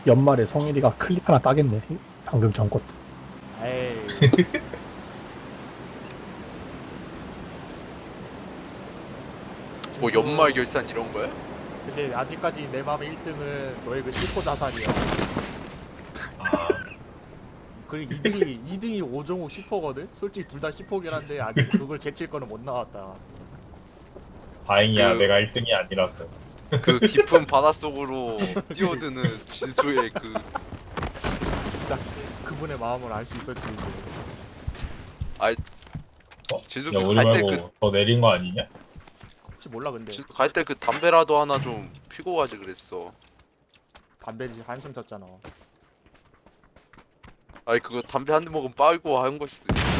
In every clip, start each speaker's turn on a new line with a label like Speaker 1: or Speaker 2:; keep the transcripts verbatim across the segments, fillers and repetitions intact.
Speaker 1: 연말에 성일이가 클립 하나 따겠네. 방금 전 것도.
Speaker 2: 에이.
Speaker 3: 뭐
Speaker 2: 준수,
Speaker 3: 연말 결산 이런 거야?
Speaker 2: 근데 아직까지 내 맘의 일 등은 너의 그 실코 자산이야.
Speaker 4: 아,
Speaker 2: 그리고 이 등이 이 등이 오종욱 십 호거든. 솔직히 둘 다 십 호긴 한데 아직 그걸 제칠 거는 못 나왔다.
Speaker 4: 다행이야.
Speaker 3: 그-
Speaker 4: 내가 일 등이 아니라서.
Speaker 3: 그 깊은 바닷속으로 뛰어드는 진수의 그
Speaker 2: 진짜 그분의 마음을 알 수 있었지 이제.
Speaker 4: 어?
Speaker 3: 진수
Speaker 4: 야, 우리
Speaker 3: 갈 때
Speaker 4: 말고
Speaker 3: 그
Speaker 4: 더 내린 거 아니냐?
Speaker 2: 혹시 몰라 근데
Speaker 3: 갈 때 그 담배라도 하나 좀 피고 가지 그랬어.
Speaker 2: 담배지 한숨 졌잖아.
Speaker 3: 아니 그거 담배 한 대 먹으면 빨고 한 것일 수도 있어.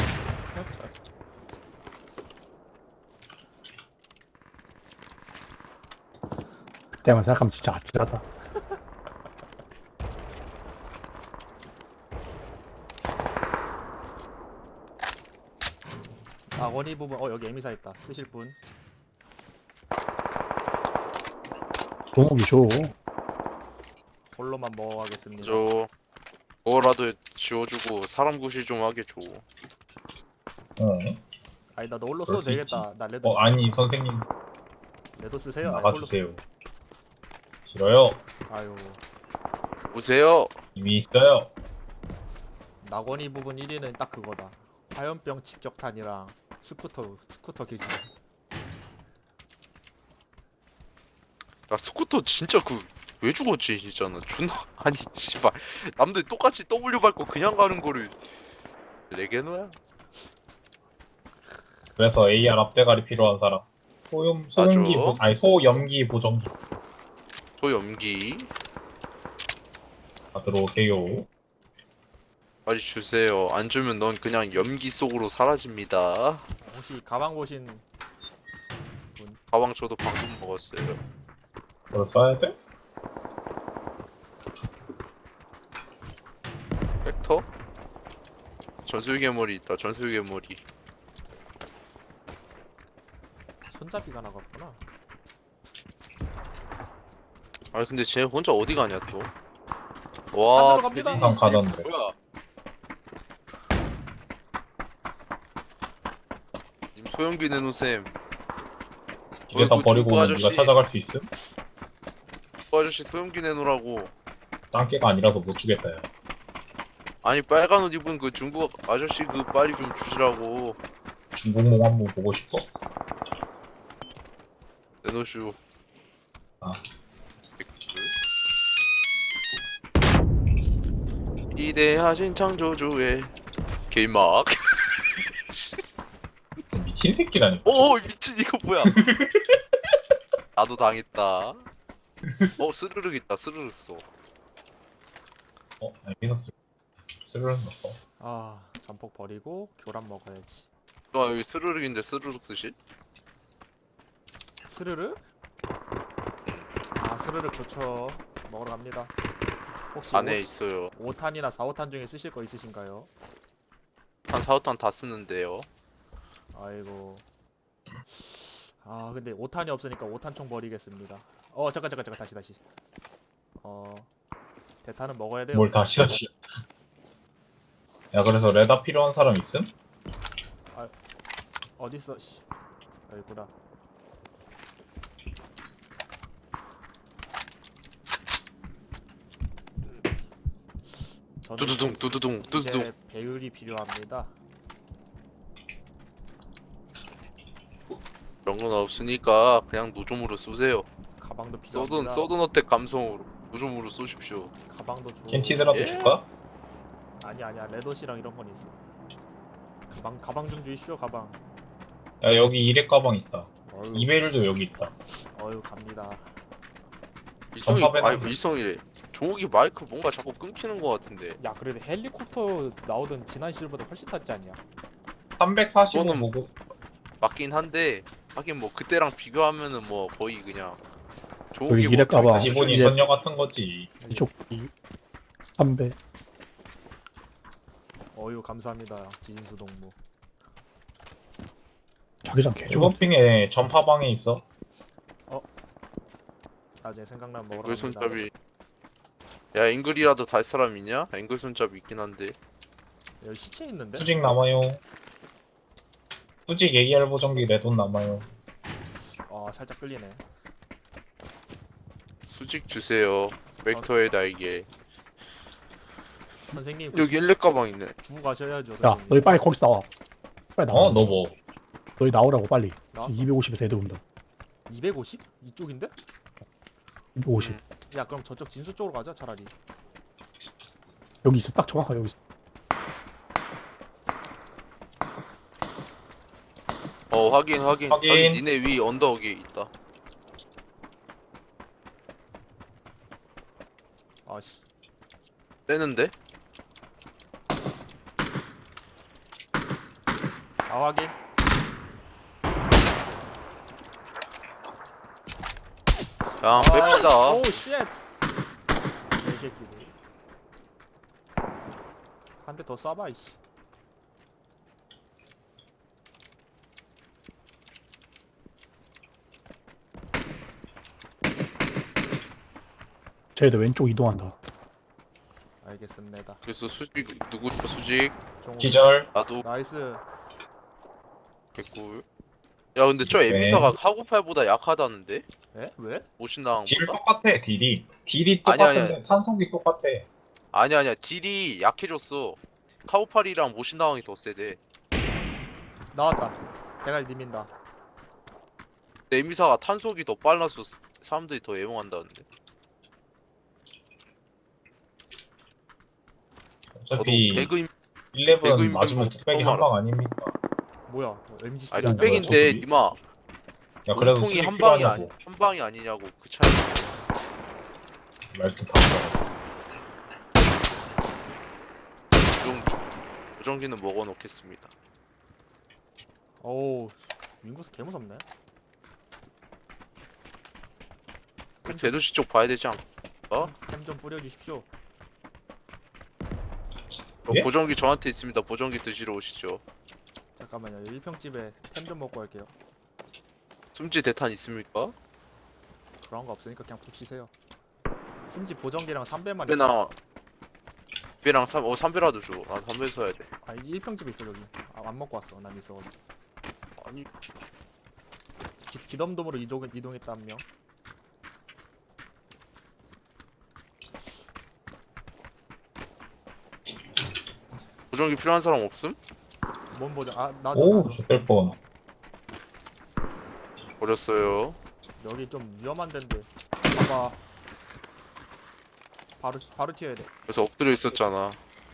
Speaker 1: 그때만 생각하면 진짜 아찔하다.
Speaker 2: 아 원희 부분 어 여기 에미사 있다. 쓰실 분.
Speaker 1: 동욱이 줘.
Speaker 2: 홀로만 먹어가겠습니다.
Speaker 3: 저 그거라도 지워주고 사람 구실 좀 하게 줘.
Speaker 4: 어.
Speaker 2: 아니 나 너 홀로
Speaker 4: 그럴
Speaker 2: 써도
Speaker 4: 수
Speaker 2: 되겠다. 나 레드
Speaker 4: 어, 아니, 선생님.
Speaker 2: 레드 쓰세요. 아니, 홀로-
Speaker 4: 나가주세요. 싫어요.
Speaker 2: 아유
Speaker 3: 오세요.
Speaker 4: 이미 있어요.
Speaker 2: 낙원이 부분 일 위는 딱 그거다. 화염병 직격탄이랑 스쿠터 스쿠터 기준.
Speaker 3: 나 스쿠터 진짜 그 왜 죽었지 진짜는 존나 아니 씨발 남들 똑같이 더블유 밟고 그냥 가는 거를 레게노야?
Speaker 4: 그래서 에이알 앞대가리 필요한 사람. 소염, 소염기, 보, 아니, 소염기 보정기.
Speaker 3: 소염기
Speaker 4: 다 들어오세요.
Speaker 3: 빨리 주세요. 안 주면 넌 그냥 염기 속으로 사라집니다.
Speaker 2: 혹시 가방 보신
Speaker 3: 가방 저도 방금 먹었어요.
Speaker 4: 그걸 써야 돼?
Speaker 3: 벡터? 전술괴물이 있다. 전술괴물이.
Speaker 2: 손잡이가 나갔구나.
Speaker 3: 아니 근데 쟤 혼자 어디 가냐 또? 와,
Speaker 2: 산으로 갑니다.
Speaker 4: 항상 가던데.
Speaker 3: 뭐야? 님 소염기 내놓으셈.
Speaker 4: 집에다
Speaker 3: 어이구,
Speaker 4: 버리고
Speaker 3: 중고
Speaker 4: 오면 네가
Speaker 3: 아저씨.
Speaker 4: 찾아갈 수 있음?
Speaker 3: 그 아저씨 소염기 내놓으라고.
Speaker 4: 짱깨가 아니라서 못 주겠다, 야.
Speaker 3: 아니 빨간 옷 입은 그 중국 아저씨 그 빨리 좀 주시라고.
Speaker 4: 중국몽 한번 보고 싶어?
Speaker 3: 내놓으슈.
Speaker 4: 아.
Speaker 3: 이대하신 창조주의 개막.
Speaker 4: 미친 새끼라니까.
Speaker 3: 오 미친 이거 뭐야? 나도 당했다. 어 스르륵 있다. 스르륵 써.
Speaker 4: 어? 아니, 미쳤어. 쓸모는 없어.
Speaker 2: 아 잠폭 버리고 교란 먹어야지.
Speaker 3: 아 여기 스르륵인데 스르륵 쓰실?
Speaker 2: 스르르? 아 스르르 좋죠. 먹으러 갑니다. 혹시
Speaker 3: 안에 있어요.
Speaker 2: 오 탄이나 사, 오 탄 중에 쓰실 거 있으신가요?
Speaker 3: 한 사, 오 탄 다 쓰는데요.
Speaker 2: 아이고. 아 근데 오 탄이 없으니까 오 탄총 버리겠습니다. 어 잠깐 잠깐 잠깐 다시 다시. 어 대탄은 먹어야 돼요.
Speaker 4: 뭘 다시 다시. 야, 그래서 레다 필요한 사람 있음?
Speaker 2: 어딨어? 씨. 여기구나. 저는
Speaker 3: 두두둥 두두둥 두두둥.
Speaker 2: 이제 배율이 필요합니다.
Speaker 3: 그런 건 없으니까 그냥 노점으로 쏘세요.
Speaker 2: 가방도 필요합니다.
Speaker 3: 써든 써든 어택 감성으로 노점으로 쏘십시오.
Speaker 2: 가방도 줘.
Speaker 4: 캔티드라도
Speaker 3: 예?
Speaker 4: 줄까?
Speaker 2: 아니 아니야 레더시랑 이런 건 있어. 가방 가방 좀 주시오 가방.
Speaker 4: 야, 여기 일회 가방 있다.
Speaker 2: 어휴,
Speaker 4: 이베일도 여기 있다.
Speaker 2: 어휴 갑니다.
Speaker 3: 이성이
Speaker 4: 전파배낭.
Speaker 3: 아니 이성이래. 종욱이 마이크 뭔가 자꾸 끊기는 것 같은데.
Speaker 2: 야 그래도 헬리콥터 나오던 지난 시즌보다 훨씬 낫지 않냐?
Speaker 4: 삼백사십오
Speaker 3: 그거는-
Speaker 4: 보고.
Speaker 3: 맞긴 한데 하긴 뭐 그때랑 비교하면은 뭐 거의 그냥
Speaker 1: 여기
Speaker 3: 종욱이
Speaker 1: 이래 까봐.
Speaker 4: 기본이
Speaker 1: 이제-
Speaker 4: 선녀 같은 거지.
Speaker 1: 이쪽 이 삼배.
Speaker 2: 어휴 감사합니다 지진수 동무.
Speaker 1: 자기장 개좋아.
Speaker 4: 주거핑에 전파방에 있어.
Speaker 2: 나중에 생각나면 먹으러
Speaker 3: 그
Speaker 2: 갑니다.
Speaker 3: 손잡이 야 앵글이라도 달 사람 있냐? 앵글 손잡이 있긴 한데.
Speaker 2: 여기 시체 있는데?
Speaker 4: 수직 남아요. 수직 에이알 보정기 레돈 남아요.
Speaker 2: 아 살짝 끌리네.
Speaker 3: 수직 주세요. 벡터의 날개.
Speaker 2: 선생님
Speaker 3: 여기 일렉 가방 있네.
Speaker 2: 주고 가셔야죠.
Speaker 1: 야,
Speaker 2: 선생님.
Speaker 1: 너희 빨리 거기서 나와. 빨리 나와.
Speaker 4: 어? 너 뭐?
Speaker 1: 너희 나오라고 빨리.
Speaker 2: 나왔어?
Speaker 1: 이백오십에서 애들 온다.
Speaker 2: 이백오십? 이쪽인데?
Speaker 1: 이백오십.
Speaker 3: 음.
Speaker 2: 야 그럼 저쪽 진수 쪽으로 가자 차라리.
Speaker 1: 여기 있어. 딱 정확하게 여기 있어.
Speaker 3: 어 확인 확인.
Speaker 4: 확인.
Speaker 3: 확인. 니네 위 언덕에 있다.
Speaker 2: 아씨.
Speaker 3: 떼는데?
Speaker 2: 아 확인.
Speaker 3: 야 뺍시다.
Speaker 2: 오 쉣. 개새끼들. 한 대 더 쏴봐 이씨.
Speaker 1: 쟤들 왼쪽 이동한다.
Speaker 2: 알겠습니다.
Speaker 3: 그래서 수직 누구 수직?
Speaker 2: 종우.
Speaker 4: 기절.
Speaker 3: 나도
Speaker 2: 나이스.
Speaker 3: 개꿀. 야 근데 저
Speaker 4: 네.
Speaker 3: 에미사가 카고팔보다 약하다는데?
Speaker 2: 에? 왜?
Speaker 4: 딜
Speaker 3: 오신당보다?
Speaker 4: 똑같아, 딜이. 딜이
Speaker 3: 아니,
Speaker 4: 똑같은데
Speaker 3: 아니.
Speaker 4: 탄속이 똑같아.
Speaker 3: 아니야 아니야 딜이 약해졌어. 카고팔이랑 모신당이 더 세대.
Speaker 2: 나왔다. 대가리 님인다.
Speaker 3: 근데 에미사가 탄속이 더 빨라서 스- 사람들이 더 애용한다는데. 저도
Speaker 4: 어차피
Speaker 3: 배그임
Speaker 4: 일레븐
Speaker 3: 배그임
Speaker 4: 맞으면
Speaker 3: 배그
Speaker 4: 뚝배기
Speaker 3: 너무
Speaker 4: 한 방 아닙니까?
Speaker 2: 뭐야? 뭐 엠지
Speaker 3: 아니
Speaker 2: 쓰리
Speaker 4: 뚝배기-
Speaker 2: 아니야?
Speaker 3: 뚝배기인데
Speaker 4: 저쪽이?
Speaker 3: 니마
Speaker 4: 야, 그래도
Speaker 3: 통이
Speaker 4: 수직
Speaker 3: 한 방이 아니
Speaker 4: 필요하냐고.
Speaker 3: 한 방이 아니냐고 그 차이.
Speaker 4: 말도 다 들어.
Speaker 3: 보정기 보정기는 먹어 놓겠습니다.
Speaker 2: 어우 윙구스 개 무섭네.
Speaker 3: 대도시 쪽 봐야 되지 않? 어?
Speaker 2: 템좀 뿌려주십시오.
Speaker 3: 어,
Speaker 4: 예?
Speaker 3: 보정기 저한테 있습니다. 보정기 드시러 오시죠.
Speaker 2: 잠깐만요. 일평집에 템 좀 먹고 갈게요.
Speaker 3: 숨지 대탄 있습니까?
Speaker 2: 그런 거 없으니까 그냥 푹 쉬세요. 심지 보정기랑 삼배만
Speaker 3: 배나 배랑 삼, 어 삼배라도 줘. 나 삼배 써야 돼.
Speaker 2: 아 이 일평집에 있어 여기. 아, 안 먹고 왔어. 난 있어.
Speaker 3: 아니
Speaker 2: 기, 기덤돔으로 이동 이동했다 한 명.
Speaker 3: 보정기 필요한 사람 없음?
Speaker 2: 뭔 보정? 아 나도
Speaker 4: 오,
Speaker 2: 나도.
Speaker 4: 좋될 뻔.
Speaker 3: 버렸어요.
Speaker 2: 여기 좀 위험한 데인데. 봐봐. 바로 바로 튀어야 돼.
Speaker 3: 그래서 엎드려 있었잖아.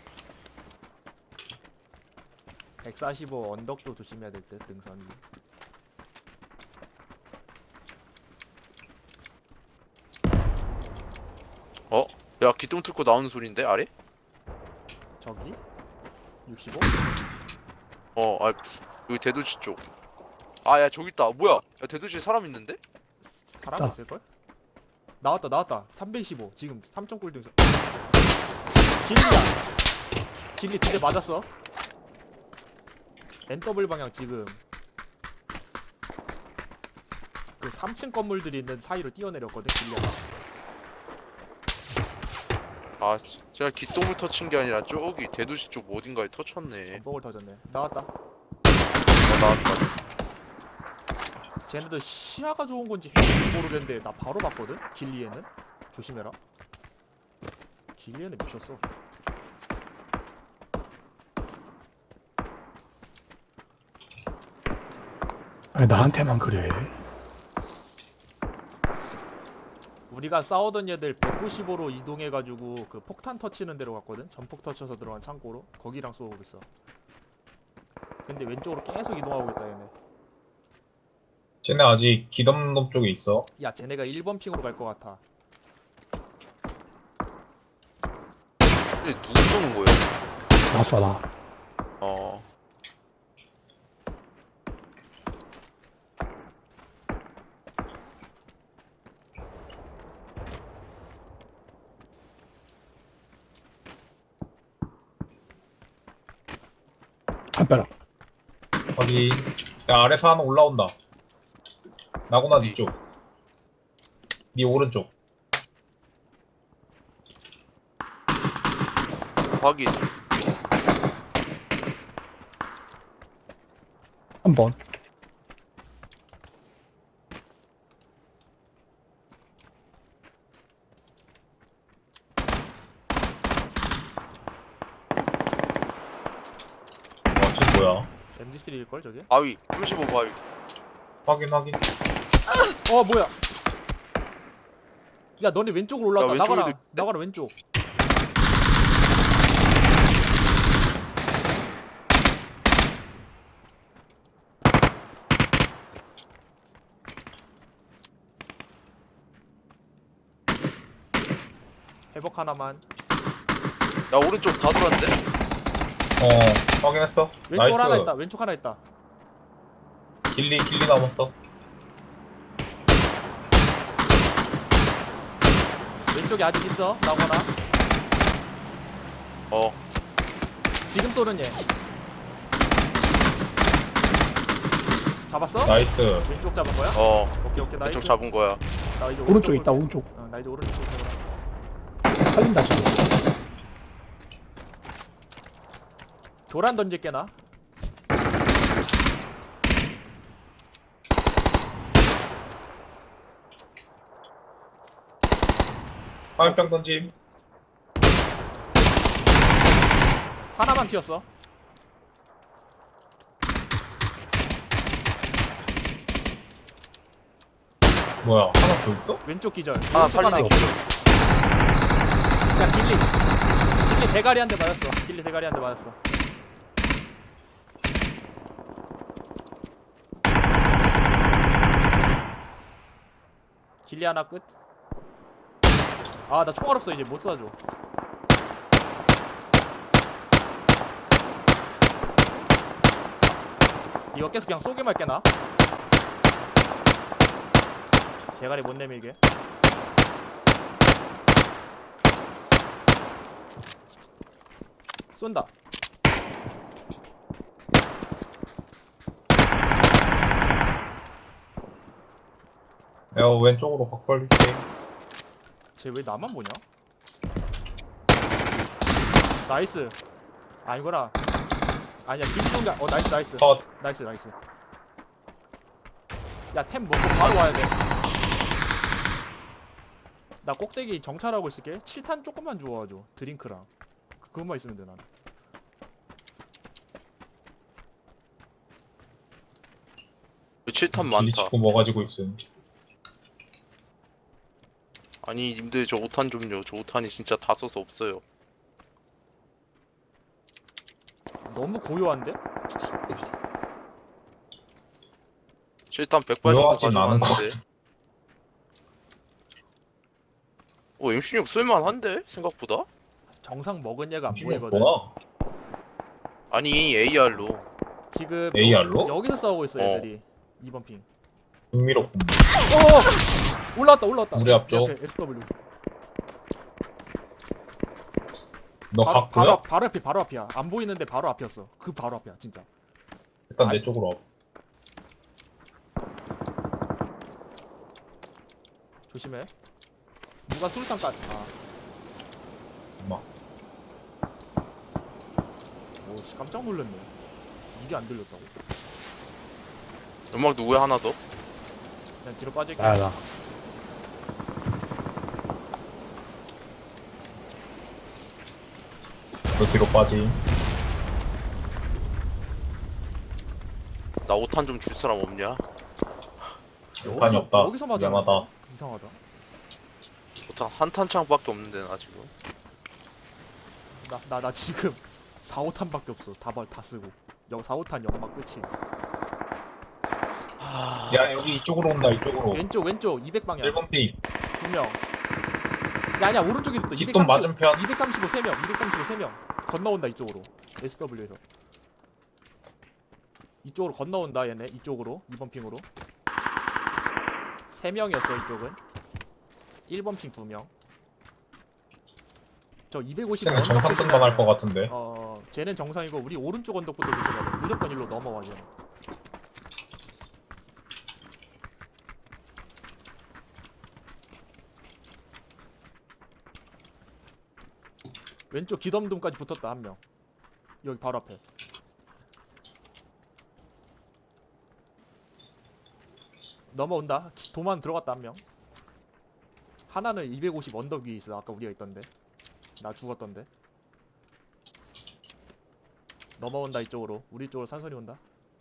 Speaker 2: 백사십오 언덕도 조심해야 될 듯 등선 위.
Speaker 3: 어? 야 기둥 뚫고 나오는 소린데 아래?
Speaker 2: 저기? 육십오?
Speaker 3: 어, 아 여기 대도시 쪽. 아 야 저기 있다. 뭐야? 야 대도시에 사람 있는데?
Speaker 2: 사람
Speaker 1: 아.
Speaker 2: 있을걸? 나왔다 나왔다 삼백이십오 지금 삼 점 꿀 등선. 길리야 길리 두 대 맞았어. 엔더블 방향 지금 그 삼 층 건물들이 있는 사이로 뛰어내렸거든 길리야가.
Speaker 3: 아 지- 제가 기똥을 터친 게 아니라 저기 대도시 쪽 어딘가에 터쳤네.
Speaker 2: 전복을 터졌네. 나왔다.
Speaker 3: 어 나왔다.
Speaker 2: 쟤네도 시야가 좋은 건지 해인지 모르겠는데 나 바로 봤거든? 길리에는? 조심해라. 길리에는 미쳤어.
Speaker 1: 아니, 나한테만 그래.
Speaker 2: 우리가 싸우던 얘들 백구십오로 이동해가지고 그 폭탄 터치는 데로 갔거든? 전폭 터쳐서 들어간 창고로? 거기랑 쏘고 있어. 근데 왼쪽으로 계속 이동하고 있다 얘네.
Speaker 4: 쟤네 아직 기덤놈 쪽에 있어.
Speaker 2: 야 쟤네가 일 번 핑으로 갈 것 같아.
Speaker 3: 근데 누구 쏘는 거야?
Speaker 1: 나 쏴, 나.
Speaker 3: 어.
Speaker 1: 한 빼라.
Speaker 4: 거기 야, 아래서 하나 올라온다. 나구나
Speaker 3: 어디?
Speaker 4: 니 쪽. 니 오른쪽.
Speaker 3: 확인.
Speaker 1: 한 번.
Speaker 4: 와, 쟤 뭐야?
Speaker 2: 엠지 쓰리일걸 저게?
Speaker 3: 바위 삼십오 바위.
Speaker 4: 확인, 확인.
Speaker 2: 어 뭐야? 야 너네 왼쪽으로 올라왔다.
Speaker 3: 야, 왼쪽에도
Speaker 2: 나가라.
Speaker 3: 있네.
Speaker 2: 나가라 왼쪽. 회복 하나만.
Speaker 3: 야 오른쪽 다 돌았는데?
Speaker 4: 어, 확인했어.
Speaker 2: 왼쪽
Speaker 4: 나이스.
Speaker 2: 하나 있다. 왼쪽 하나 있다.
Speaker 4: 길리, 길리 남았어.
Speaker 2: 왼쪽에 아직 있어. 나오거나.
Speaker 3: 어.
Speaker 2: 지금 쏘는 얘. 잡았어?
Speaker 4: 나이스.
Speaker 2: 왼쪽 잡은 거야?
Speaker 3: 어.
Speaker 2: 오케이 오케이 나이스.
Speaker 3: 왼쪽 잡은 거야.
Speaker 2: 나 이제
Speaker 1: 오른쪽에
Speaker 2: 오른쪽으로
Speaker 1: 있다,
Speaker 2: 볼게.
Speaker 1: 오른쪽.
Speaker 2: 어, 나 이제 오른쪽 볼게.
Speaker 1: 살린다, 지금.
Speaker 2: 교란 던질게 나.
Speaker 4: 화염병 던짐.
Speaker 2: 하나만 튀었어.
Speaker 4: 뭐야, 하나 더 있어?
Speaker 2: 왼쪽 기절.
Speaker 3: 하나
Speaker 2: 왼쪽
Speaker 3: 살리는
Speaker 2: 하나.
Speaker 3: 게
Speaker 2: 야 길리. 길리 대가리 한 대 맞았어. 길리 대가리 한 대 맞았어. 길리 하나 끝. 아 나 총알 없어 이제 못 쏴줘. 이거 계속 그냥 쏘기만 할게 나. 대가리 못 내밀게. 쏜다.
Speaker 4: 야, 왼쪽으로 확 벌릴게.
Speaker 2: 쟤 왜 나만 보냐? 나이스. 아니구나. 아니야 길동가. 어 나이스 나이스.
Speaker 4: 컷.
Speaker 2: 나이스 나이스. 야 템 먹고 바로 와야 돼. 나 꼭대기 정찰하고 있을게. 칠 탄 조금만 주워줘. 드링크랑. 그- 그것만 있으면 돼 난.
Speaker 3: 칠 탄
Speaker 4: 길리
Speaker 3: 많다.
Speaker 4: 치고 뭐 가지고 있음.
Speaker 3: 아니 님들 저 오 탄 좀요. 저 오 탄이 진짜 다 써서 없어요.
Speaker 2: 너무 고요한데?
Speaker 3: 칠 탄 백 발 정도
Speaker 4: 고요하진 않은 것
Speaker 3: 가져왔는데. 오 엠 십육 쓸만한데 생각보다?
Speaker 2: 정상 먹은 얘가 안
Speaker 4: 이게
Speaker 2: 보이거든.
Speaker 4: 뭐야?
Speaker 3: 아니 에이알로.
Speaker 2: 지금
Speaker 4: 에이알로?
Speaker 2: 여기서 싸우고 있어
Speaker 3: 어.
Speaker 2: 얘들이. 이번 핑.
Speaker 4: 흥미롭군.
Speaker 2: 어! 올라왔다 올라왔다.
Speaker 4: 우리 앞쪽.
Speaker 2: 옆에 에스더블유.
Speaker 4: 너
Speaker 2: 바로,
Speaker 4: 갔고요?
Speaker 2: 바로, 앞- 바로 앞이 바로 앞이야. 안 보이는데 바로 앞이었어. 그 바로 앞이야 진짜.
Speaker 4: 일단
Speaker 2: 아-
Speaker 4: 내 쪽으로 와.
Speaker 2: 조심해. 누가 술탄까지. 아.
Speaker 4: 엄마.
Speaker 2: 오씨 깜짝 놀랐네. 이게 안 들렸다고.
Speaker 3: 연막 누구야 하나 더?
Speaker 2: 그냥 뒤로 빠질게.
Speaker 1: 아, 나.
Speaker 4: 너 뒤로 빠지.
Speaker 3: 나 오 탄 좀 줄 사람 없냐?
Speaker 4: 탄이 없다.
Speaker 2: 여기서 맞아.
Speaker 4: 미안하다.
Speaker 2: 이상하다.
Speaker 3: 오 탄 한 탄창밖에 없는데 나 지금.
Speaker 2: 나 나 나 지금 사, 오 탄밖에 없어. 다발 다 쓰고. 여 사, 오 탄 연막 끝이.
Speaker 3: 하...
Speaker 4: 야, 여기 이쪽으로 온다, 이쪽으로.
Speaker 2: 왼쪽 왼쪽 이백 방향.
Speaker 4: 일 번 핑.
Speaker 2: 두 명. 야 아니야 오른쪽에도 또
Speaker 4: 뒷돈 맞은편.
Speaker 2: 이백삼십오 세 명. 이백삼십오 세 명. 건너온다 이쪽으로. 에스더블유에서. 이쪽으로 건너온다 얘네. 이쪽으로. 이번 핑으로. 세 명이었어 이쪽은. 일 번 핑 두 명. 저 이백오십
Speaker 4: 쟤는
Speaker 2: 언덕
Speaker 4: 정상
Speaker 2: 조심해야
Speaker 4: 등반할
Speaker 2: 돼.
Speaker 4: 것 같은데.
Speaker 2: 어, 쟤는 정상이고 우리 오른쪽 언덕부터 조심해야 돼. 무조건 일로 넘어와 쟤는. 왼쪽 기덤둠까지 붙었다 한 명. 여기 바로 앞에. 넘어온다. 기- 도만 들어갔다 한 명. 하나는 이백오십 언덕 위에 있어. 아까 우리가 있던데. 나 죽었던데. 넘어온다 이쪽으로. 우리 쪽으로 산선이 온다.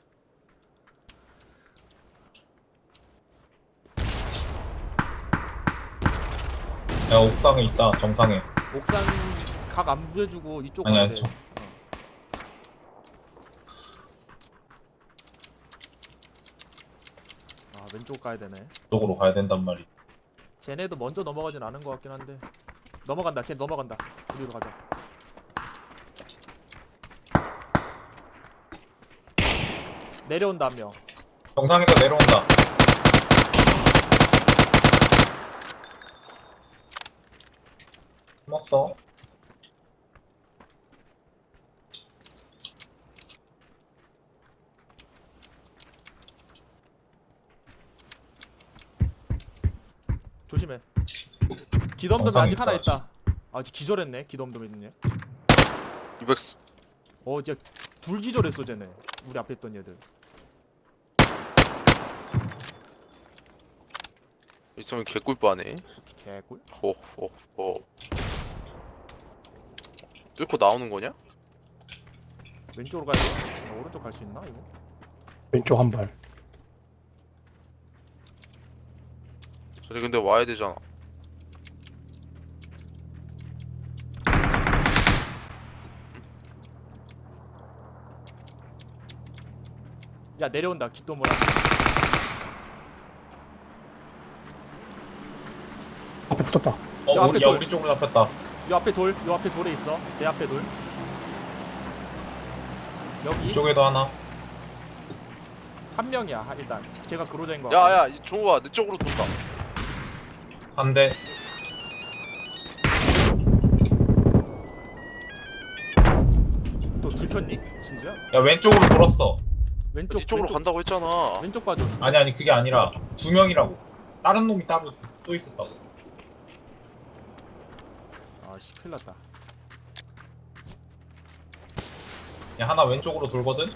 Speaker 4: 야 옥상에 있다 정상에.
Speaker 2: 옥상 각 안 부여주고 이쪽
Speaker 4: 아니야,
Speaker 2: 가야 돼.
Speaker 4: 저-
Speaker 2: 어. 아 왼쪽 가야 되네.
Speaker 4: 쪽으로 가야 된단 말이.
Speaker 2: 쟤네도 먼저 넘어가진 않은 것 같긴 한데. 넘어간다. 쟤 넘어간다. 우리로 가자. 내려온다 한 명.
Speaker 4: 정상에서 내려온다. 숨었어.
Speaker 2: 조심해. 기덤덤에
Speaker 4: 정상에
Speaker 2: 아직 하나
Speaker 4: 있어,
Speaker 2: 있다. 아, 아직 기절했네. 기덤덤에 있네.
Speaker 3: 이백스.
Speaker 2: 어, 이제 둘 기절했어, 쟤네. 우리 앞에 있던 얘들.
Speaker 3: 있으면 개꿀빠네.
Speaker 2: 개꿀.
Speaker 3: 호호호. 뚫고 나오는 거냐?
Speaker 2: 왼쪽으로 가야 돼. 나 오른쪽 갈 수 있나 이거?
Speaker 1: 왼쪽 한 발.
Speaker 3: 저리 근데 와야 되잖아.
Speaker 2: 야 내려온다. 기도모라.
Speaker 1: 앞에 붙었다.
Speaker 4: 어
Speaker 2: 야,
Speaker 4: 우리,
Speaker 2: 앞에
Speaker 4: 야
Speaker 2: 돌.
Speaker 4: 우리 쪽으로 잡혔다.
Speaker 2: 요 앞에 돌. 요 앞에 돌에 있어. 내 앞에 돌. 여기
Speaker 4: 이쪽에도 하나.
Speaker 2: 한 명이야. 하- 일단 제가 그로자인 거 같아.
Speaker 3: 야야 종우야 내 쪽으로 돈다.
Speaker 4: 한 대.
Speaker 2: 또 들켰니? 진짜?
Speaker 4: 야 왼쪽으로 돌았어.
Speaker 2: 왼쪽
Speaker 3: 이쪽으로
Speaker 2: 왼쪽,
Speaker 3: 간다고 했잖아.
Speaker 2: 왼쪽 봐줘.
Speaker 4: 아니 아니 그게 아니라 두 명이라고. 다른 놈이 따로 있- 또 있었다고.
Speaker 2: 아씨 큰일 났다.
Speaker 4: 야 하나 왼쪽으로 돌거든.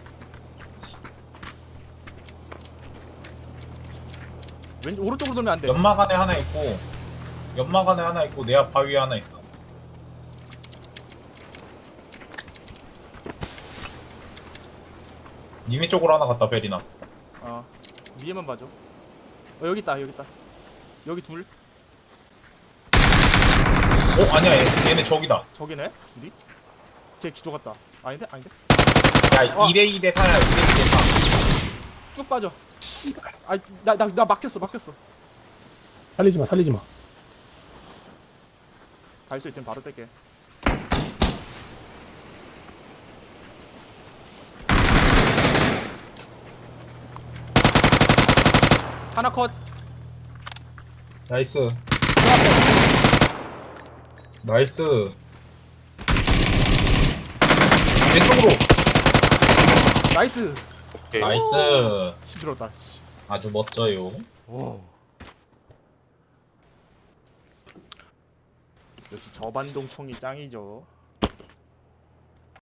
Speaker 2: 왼 오른쪽으로 돌면 안 돼.
Speaker 4: 연막 안에 하나 있고 연막 안에 하나 있고 내 앞 바위에 하나 있어. 니네 쪽으로 하나 갔다 베리나.
Speaker 2: 어 위에만 봐줘. 어 여기 있다. 여기 있다. 여기 둘.
Speaker 4: 어 아니야 얘, 얘네 저기다.
Speaker 2: 저기네. 둘이. 쟤 죽었다. 아닌데? 아닌데?
Speaker 4: 야
Speaker 2: 어.
Speaker 4: 이 대 이 대 사야 이 대 이 대 사.
Speaker 2: 쭉 빠져. 아나 나 나 막혔어. 막혔어.
Speaker 1: 살리지 마, 살리지 마.
Speaker 2: 갈 수 있으면 바로 뗄게. 하나 컷.
Speaker 4: 나이스. 나이스. 왼쪽으로.
Speaker 2: 나이스.
Speaker 3: 오케이.
Speaker 4: 나이스.
Speaker 2: 힘들었다. 씨.
Speaker 4: 아주 멋져요.
Speaker 2: 오. 역시 저반동 총이 짱이죠.